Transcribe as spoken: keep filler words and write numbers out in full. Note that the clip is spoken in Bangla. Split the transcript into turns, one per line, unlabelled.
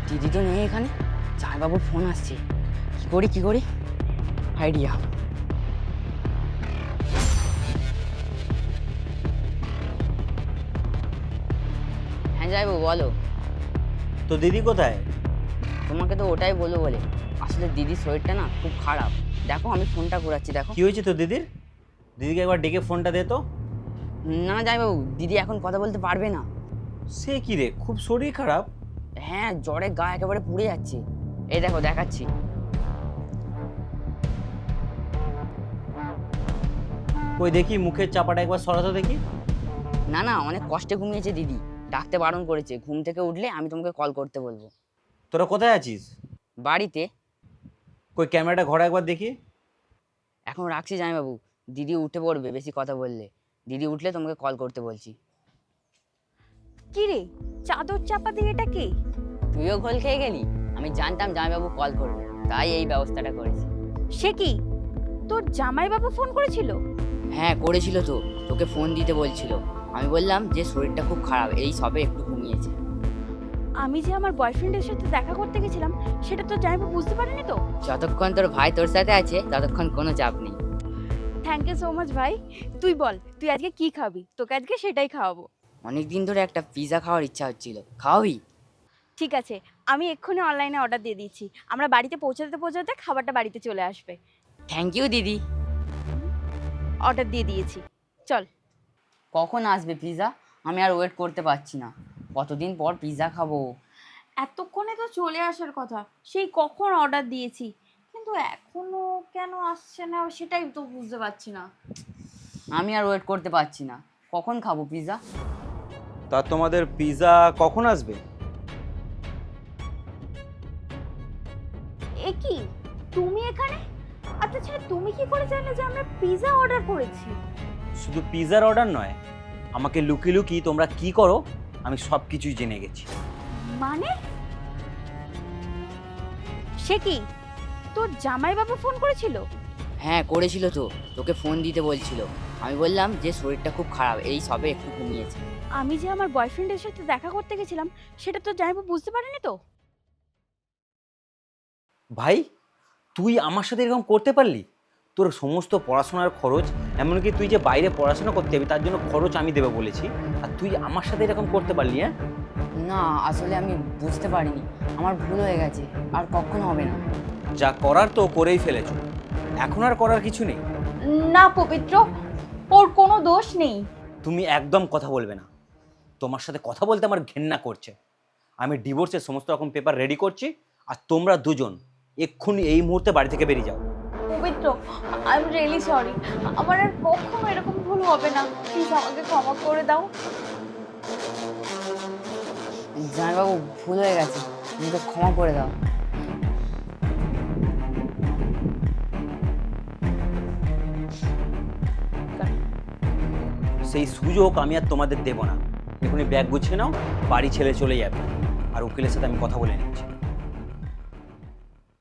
দিদি তো নেই এখানে, জামাইবাবুর ফোন আসছে। কি করি কি করি আইডিয়া। হ্যাঁ জামাইবাবু বলো।
তো দিদি কোথায়?
তোমাকে তো ওটাই বলবো বলে, আসলে দিদির শরীরটা না খুব খারাপ। দেখো আমি ফোনটা ঘোরাচ্ছি, দেখো।
কি হয়েছে তো দিদির? দিদিকে একবার ডেকে ফোনটা দে তো।
না না জামাইবাবু, দিদি এখন কথা বলতে পারবে না।
সে কি রে, খুব শরীর খারাপ?
হ্যাঁ, জ্বরে গা একেবারে পুড়ে যাচ্ছে। এই দেখো দেখাচ্ছি।
কই দেখি মুখের চাপাটা একবার সরাতো দেখি।
না না, অনেক কষ্টে ঘুমিয়েছে দিদি, ডাকতে বারণ করেছে। ঘুম থেকে উঠলে আমি তোমাকে কল করতে বলবো।
তোরা কোথায় আছিস?
বাড়িতে।
কই ক্যামেরাটা ঘরে একবার দেখি।
এখন রাখছি জামাইবাবু, দিদি উঠে পড়বে বেশি কথা বললে। দিদি উঠলে তোমাকে কল করতে বলছি।
কি রে, চাদর চাপা দিয়ে এটা কে?
তুইও ঘোল খেয়ে গেলি? আমি জানতাম জামাইবাবু কল করবে, তাই এই ব্যবস্থাটা করেছি।
সে কি, তোর জামাইবাবু ফোন করেছিল?
হ্যাঁ করেছিল তো, তোকে ফোন দিতে বলছিল। আমি বললাম যে শরীরটা খুব খারাপ, এই সবে একটু ঘুমিয়েছে।
আমি যে আমার বয়ফ্রেন্ডের সাথে দেখা করতে গেছিলাম সেটা তো জামাইবাবু বুঝতে পারেনি তো?
যতক্ষণ তোর ভাই তোর সাথে আছে ততক্ষণ কোনো চাপ নেই।
থ্যাংক ইউ সো মাচ ভাই। তুই বল, তুই আজকে কি খাবি? তোকে আজকে সেটাই খাওয়াবো।
অনেক দিন ধরে একটা পিৎজা খাওয়ার ইচ্ছা হচ্ছিল, খাওয়াবি?
ঠিক আছে, আমি এক্ষুনি অনলাইনে অর্ডার দিয়ে দিচ্ছি। আমরা বাড়িতে পৌঁছাতে পৌঁছাতে খাবারটা বাড়িতে চলে আসবে।
থ্যাংক ইউ দিদি।
অর্ডার দিয়ে দিয়েছি, চল।
কখন আসবে পিৎজা? আমি আর ওয়েট করতে পারছি না, কতদিন পর পিৎজা খাবো।
এতক্ষণে তো চলে আসার কথা, সেই কখন অর্ডার দিয়েছি, কিন্তু এখনো কেন আসছে না সেটাই তো বুঝতে পারছি না।
আমি আর ওয়েট করতে পারছি না, কখন খাবো পিৎজা?
তা তোমাদের পিৎজা কখন আসবে?
এ কি, তুমি এখানে? আচ্ছা ছেলে, তুমি কি করে জানলে যে আমরা পিৎজা অর্ডার করেছি?
শুধু পিৎজার অর্ডার নয়, আমাকে লুকি লুকি তোমরা কি করো আমি সব কিছুই জেনে গেছি।
মানে সে কি, তোর জামাইবাবু ফোন করেছিল?
হ্যাঁ করেছিল তো, তোকে ফোন দিতে বলছিল। আমি বললাম যে শরীরটা খুব খারাপ, এই সবে একটু ঘুমিয়েছে।
আমি যে আমার বয়ফ্রেন্ডের সাথে দেখা করতে গেছিলাম সেটা তো জামাইবাবু বুঝতে পারেনি তো?
ভাই, তুই আমার সাথে এরকম করতে পারলি? তোর সমস্ত পড়াশোনার খরচ, এমনকি তুই যে বাইরে পড়াশোনা করতে যাবি তার জন্য খরচ আমি দেবো বলেছি, আর তুই আমার সাথে এরকম করতে পারলি? হ্যাঁ
না আসলে আমি বুঝতে পারিনি, আমার ভুল হয়ে গেছে, আর কখনো হবে না।
যা করার তো করেই ফেলেছ, এখন আর করার কিছু নেই।
না পবিত্র, ওর কোনো দোষ নেই।
তুমি একদম কথা বলবে না, তোমার সাথে কথা বলতে আমার ঘেন্না করছে। আমি ডিভোর্সের সমস্ত রকম পেপার রেডি করছি, আর তোমরা দুজন এক্ষুনি এই মুহূর্তে বাড়ি থেকে বেরিয়ে যাও।
পবিত্র, আই এম রিয়েলি সরি, আমার আর কখনো এরকম ভুল হবে না, প্লিজ আমাকে ক্ষমা করে দাও।
জামাইবাবু ভুল হয়ে গেছে, আমাকে ক্ষমা করে দাও।
সেই সুযোগ আমি আর তোমাদের দেব না। এখনই ব্যাগ গুছিয়ে নাও, বাড়ি ছেড়ে চলে যাবে, আর উকিলের সাথে আমি কথা বলে নিচ্ছি।